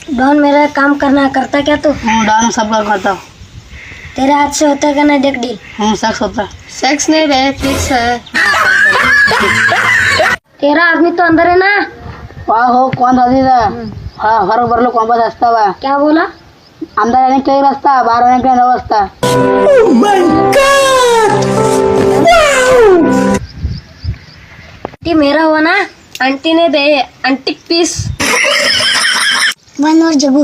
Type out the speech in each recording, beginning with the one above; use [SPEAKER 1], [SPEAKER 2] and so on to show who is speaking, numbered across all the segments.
[SPEAKER 1] Don मेरा काम करना करता क्या तू?
[SPEAKER 2] डॉन सब काम करता हूँ।
[SPEAKER 1] तेरे हाथ से होता क्या ना देख डील?
[SPEAKER 2] सेक्स होता है। सेक्स नहीं रे, फिक्स है।
[SPEAKER 1] तेरा आदमी तो अंदर है ना?
[SPEAKER 2] वाह हो कौन आदमी था? हाँ हर बरलो कौन बस रास्ता हुआ?
[SPEAKER 1] क्या बोला?
[SPEAKER 2] अंदर आने के लिए रास्ता, बाहर आने के लिए रास्ता। Oh my God!
[SPEAKER 1] आंटी मेरा हुआ ना, आंटी ने दे आंटी पीस। वन और जगू।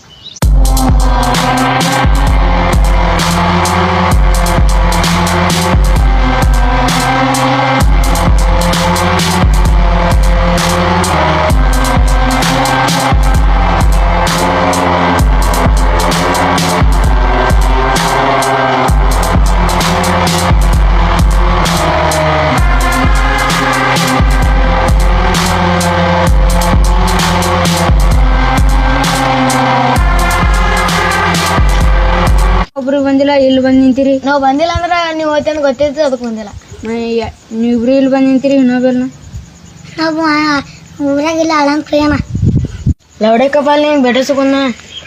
[SPEAKER 2] ಒಬ್ರು ಬಂದಿಲ್ಲ, ಇಲ್ಲಿ ಬಂದು ನಿಂತಿರಿ.
[SPEAKER 1] ನಾವು ಬಂದಿಲ್ಲ ಅಂದ್ರೆ ನೀವು ಹೋಯ್ತೆ ಅಂತ ಗೊತ್ತಿತ್ತು, ಅದಕ್ಕೆ ಬಂದಿಲ್ಲ.
[SPEAKER 2] ನೀವಿಬ್ರು ಇಲ್ಲಿ ಬಂದು ನಿಂತಿರಿ, ಇನ್ನೊಬ್ಬೆಲ್ಲ
[SPEAKER 1] ನಾವು ಊರಾಗಿಲ್ಲ ಅಳಂಗ್ ಪ್ರಿಯನ ಲೌಡೆ ಕಪಾಲ್ ನಿಂಗೆ ಬೆಡಸುಕೊಂಡ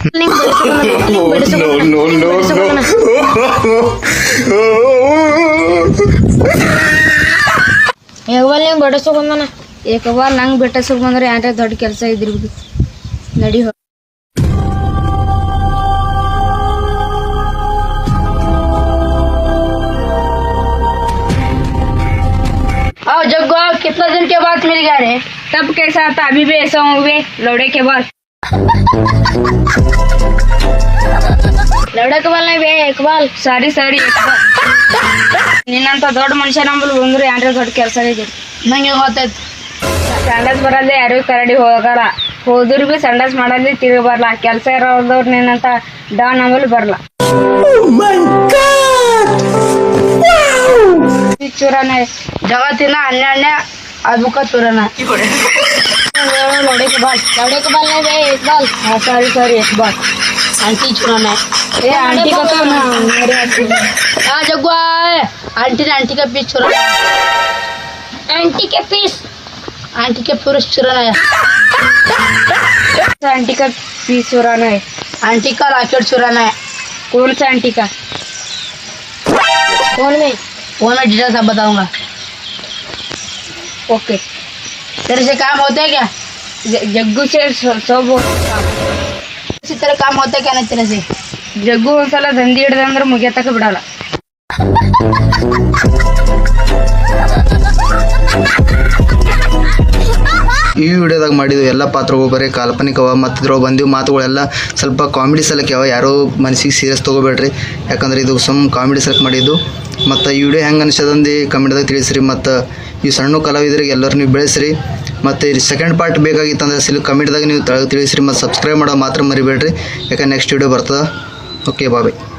[SPEAKER 1] ಏಕಬಾಲ್ ನಿಂಗೆ ಬೆಡಸುಕೊಂಡನ.
[SPEAKER 2] ಏಕಬಾಲ್ ನಂಗೆ ಬೆಟ್ಟಸಕ್ ಬಂದ್ರೆ ಯಾರ ದೊಡ್ಡ ಕೆಲಸ ಇದ್ರಿ ನಡಿ. आओ जग्गो, कितना दिन के बाद मिल गया रे? तब कैसा था, अभी भी ऐसा हुए लौड़े के बाद?
[SPEAKER 1] ಲೌಡೆ ಕಪಾಲ್ ಬೇ ಏಕಬಾಲ್
[SPEAKER 2] ಸಾರಿ ಏಕಬಾಲ್. ನಿನ್ನಂತ ದೊಡ್ಡ ಮನುಷ್ಯ ನಂಬಲ್ ಬಂದ್ರು ಯಾರ ದೊಡ್ಡ ಕೆಲಸ ಇದೆ. ನಂಗೆ ಗೊತ್ತಾಯ್ತು. ಸಂಡಾಸ್ ಬರಲ್ಲ, ಯಾರಿಗೂ ಕರಡಿ ಹೋಗಲ್ಲ, ಹೋದ್ರು ಬಿ ಸಂಡಾಸ್ ಮಾಡಲ್ಲಿ ತಿರುಗಿ ಬರಲ್ಲ. ಕೆಲಸ ಇರೋದವ್ರು ನಿನ್ನಂತ ಡಾನ್ ನಂಬಲ್ ಬರಲ್ಲ. ಚೂರನ ಜಗತ್ತಿನ ಹನ್ನೆರಡನೇ ಅದ್ಭುತ ಚೂರನ.
[SPEAKER 1] ಲೌಡೆ ಕಪಾಲ್ ಬೇ ಏಕಬಾಲ್
[SPEAKER 2] ಸಾರಿ ಏಕಬಾಲ್. आंटी चुराना है। ए आंटी का तो ना मेरे हाँ जगुआ आंटी ने आंटी का पीस चुराना है।
[SPEAKER 1] आंटी के पीस,
[SPEAKER 2] आंटी के पुरुष चुराना है। आंटी का पीस चुराना है। आंटी का लॉकेट चुराना है। कौन सा आंटी का?
[SPEAKER 1] फोन में
[SPEAKER 2] डिटेल सब बताऊंगा। ओके, तेरे से काम होता है क्या? जग्गू से सब इसी तरह काम होता है क्या? नहीं तेरे से जग्गू ಒಂದ್ಸಲ ದಂಧಿ ಹಿಡ್ದ ಅಂದ್ರೆ ಮುಗಿಯತಕ್ಕ ಬಿಡಲ್ಲ.
[SPEAKER 3] ಈ ವಿಡಿಯೋದಾಗ ಮಾಡಿದ್ದು ಎಲ್ಲ ಪಾತ್ರಗಳು ಬರೀ ಕಾಲ್ಪನಿಕವ ಮತ್ತು ಇದ್ರೊಳಗೆ ಬಂದಿವು ಮಾತುಗಳೆಲ್ಲ ಸ್ವಲ್ಪ ಕಾಮಿಡಿ ಸಲಕ್ಕೆವ. ಯಾರೋ ಮನಸ್ಸಿಗೆ ಸೀರಿಯಸ್ ತೊಗೋಬೇಡ್ರಿ, ಯಾಕಂದ್ರೆ ಇದು ಕಾಮಿಡಿ ಸಲಕ್ಕೆ ಮಾಡಿದ್ದು. ಮತ್ತು ಈ ವಿಡಿಯೋ ಹೆಂಗೆ ಅನಿಸೋದಂದು ಕಮೆಂಟ್ದಾಗ ತಿಳಿಸ್ರಿ. ಮತ್ತು ಈ ಸಣ್ಣ ಕಲಾವಿದರಿಗೆ ಎಲ್ಲರೂ ನೀವು ಬೆಳೆಸ್ರಿ. ಮತ್ತು ಈ ಸೆಕೆಂಡ್ ಪಾರ್ಟ್ ಬೇಕಾಗಿತ್ತಂದ್ರೆ ಕಮೆಂಟ್ದಾಗ ನೀವು ತಿಳಿಸ್ರಿ. ಮತ್ತು ಸಬ್ಸ್ಕ್ರೈಬ್ ಮಾಡೋದು ಮಾತ್ರ ಮರಿಬೇಡ್ರಿ, ಯಾಕಂದ್ರೆ ನೆಕ್ಸ್ಟ್ ವಿಡಿಯೋ ಬರ್ತದೆ. ಓಕೆ ಬಾಯ್.